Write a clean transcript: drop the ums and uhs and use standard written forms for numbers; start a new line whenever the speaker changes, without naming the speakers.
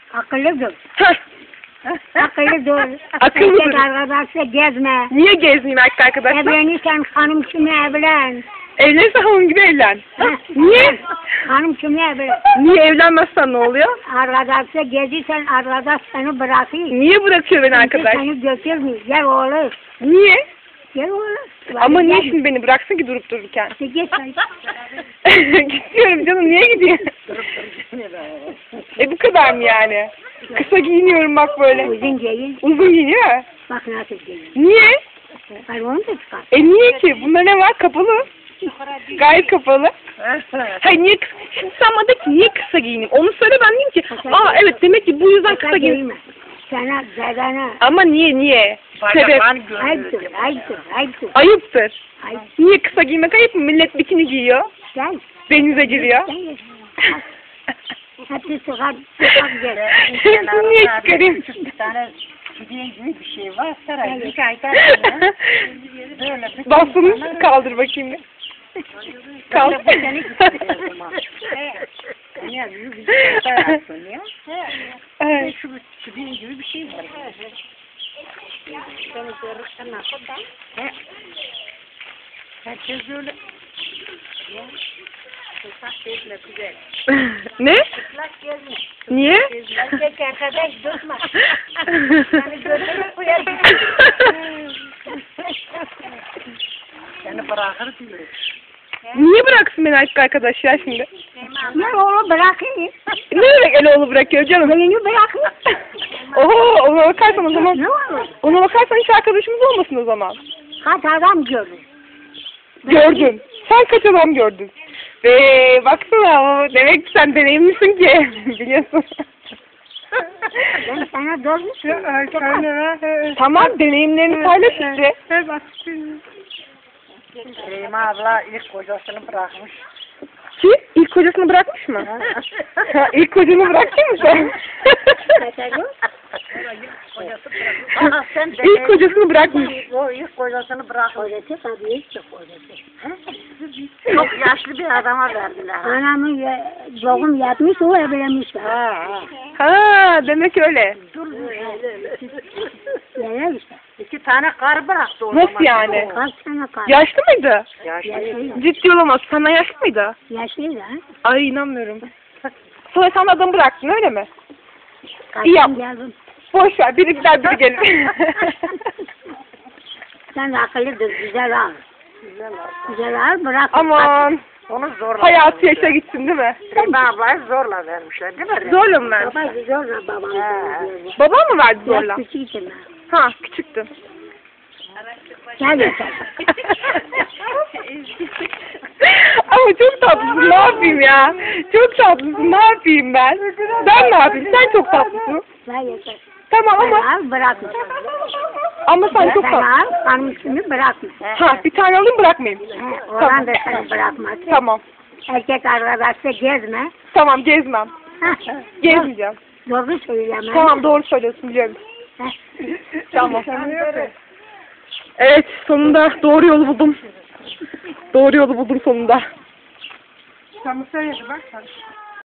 Akıllıdır.
Heh.
Akıllıdır.
Akıllıdır.
Erkek arkadaşla gezme.
Niye gezmeyeyim erkek arkadaşlar?
Evlenirsen hanım kimi evlen.
Evlenirsen hanım gibi evlen. Niye?
Hanım kimi evlen.
Niye evlenmezsen ne oluyor?
Arkadaşla gezirsen arkadaş seni bırakıyor.
Niye bırakıyor beni arkadaş?
Seni götürmüyor. Gel oğlum.
Niye?
Gel oğlum.
Ama niye şimdi beni bıraksın ki durup dururken?
İşte git sen.
Gidiyorum canım, niye gideyim? Bu kadar mı yani? Kısa giyiniyorum bak böyle.
Uzun giyin.
Uzun giyiniyor mu?
Bak nasıl giyin.
Niye?
Hayır onu da çıkar.
Niye ki? Bunda ne var? Kapalı. Gayet kapalı. Hayır niye kısa? Şimdi sen bana de ki niye kısa giyineyim? Onu söyle, ben diyeyim ki evet demek ki bu yüzden kısa giyineyim.
Sana zedana.
Ama niye? Sebep.
Ayıptır, ayıptır, ayıptır.
Ayıptır.
Ayıp.
Niye kısa giymek ayıp mı? Millet bikini giyiyor.
Gel.
Denize giriyor.
Gel. Hepsi sıkar gel.
Niye çıkarayım?
Bir tane hediye gibi bir şey var. Saray bir aydan böyle bir
Bastonu kaldır bakayım bir. Kaldır.
Ya bir şey ya.
Evet.
Şu hediye gibi bir şey var. Herkes öyle.
Ne? Niye?
Erkek arkadaş durma. Seni götürüp koyar.
Seni bırakır diyor.
Niye bıraksın beni erkek arkadaş ya şimdi?
Ne oğlum bırakayım.
Ne demek el oğlu bırakıyor canım?
Beni bırakayım.
Oho, ona bakarsan o zaman.
Ne olur?
Ona bakarsan hiç arkadaşımız olmasın o zaman.
Kaç adam gördün?
Gördün. Sen kaç adam gördün? Baksana, demek ki sen deneyimlisin ki. Biliyorsun.
Ben sana doğrusu.
Tamam, deneyimlerini paylaş işte.
Süleyman abla ilk kocasını bırakmış.
Ki ilk kocasını bırakmış mı? İlk kocanı bıraktın mı sen?
Ana sen de
İlk kocasını bırakmış.
O ilk kocasını bırakmış.
Kocası tabii çok kocası.
Çok yaşlı bir adama verdiler.
Anamın doğum yapmış, o evlenmiş.
Ha, demek öyle.
Neler işte.
2 tane karı bıraktı o zaman.
Nasıl yani?
Kaç tane kar?
Yaşlı mıydı?
Yaşlıydı.
Ciddi olamaz. Senden yaşlı mıydı?
Yaşlıydı ha.
Ay inanmıyorum. Sonra sen adamı bıraktın öyle mi?
Kaçtım
yap.
geldim.
Boş ver. Biri gider biri gelir.
Sen de akıllıdır, güzel al. Güzel al, bırak.
Aman.
Onu zorla.
Hayatı yaşa gitsin değil mi?
Süleyman ablayı zorla vermişler değil mi?
Zorla mı verdi?
Baba zorla babam.
Babam mı verdi zorla?
Biraz küçüktüm ben.
Ha, küçüktün.
Gel yeter.
Ama çok tatlısın, ne yapayım ya? Çok tatlısın, ne yapayım ben? Ben ne yapayım? Sen çok tatlısın.
Gel yeter.
Tamam ama
Al, bırakma.
sen çok
Sen
tatlısın.
al, hanımsını bırakma.
Ha, bir tane alayım bırakmayayım.
Oğlan da seni bırakmaz.
Tamam.
Erkek arkadaşla gezme.
Tamam, gezmem. Gezmeyeceğim.
Doğru söyleyemem.
Tamam, doğru söylüyorsun, biliyorum. Tamam. Evet, sonunda doğru yolu buldum. Doğru yolu buldum sonunda.
Sen söyledi bak.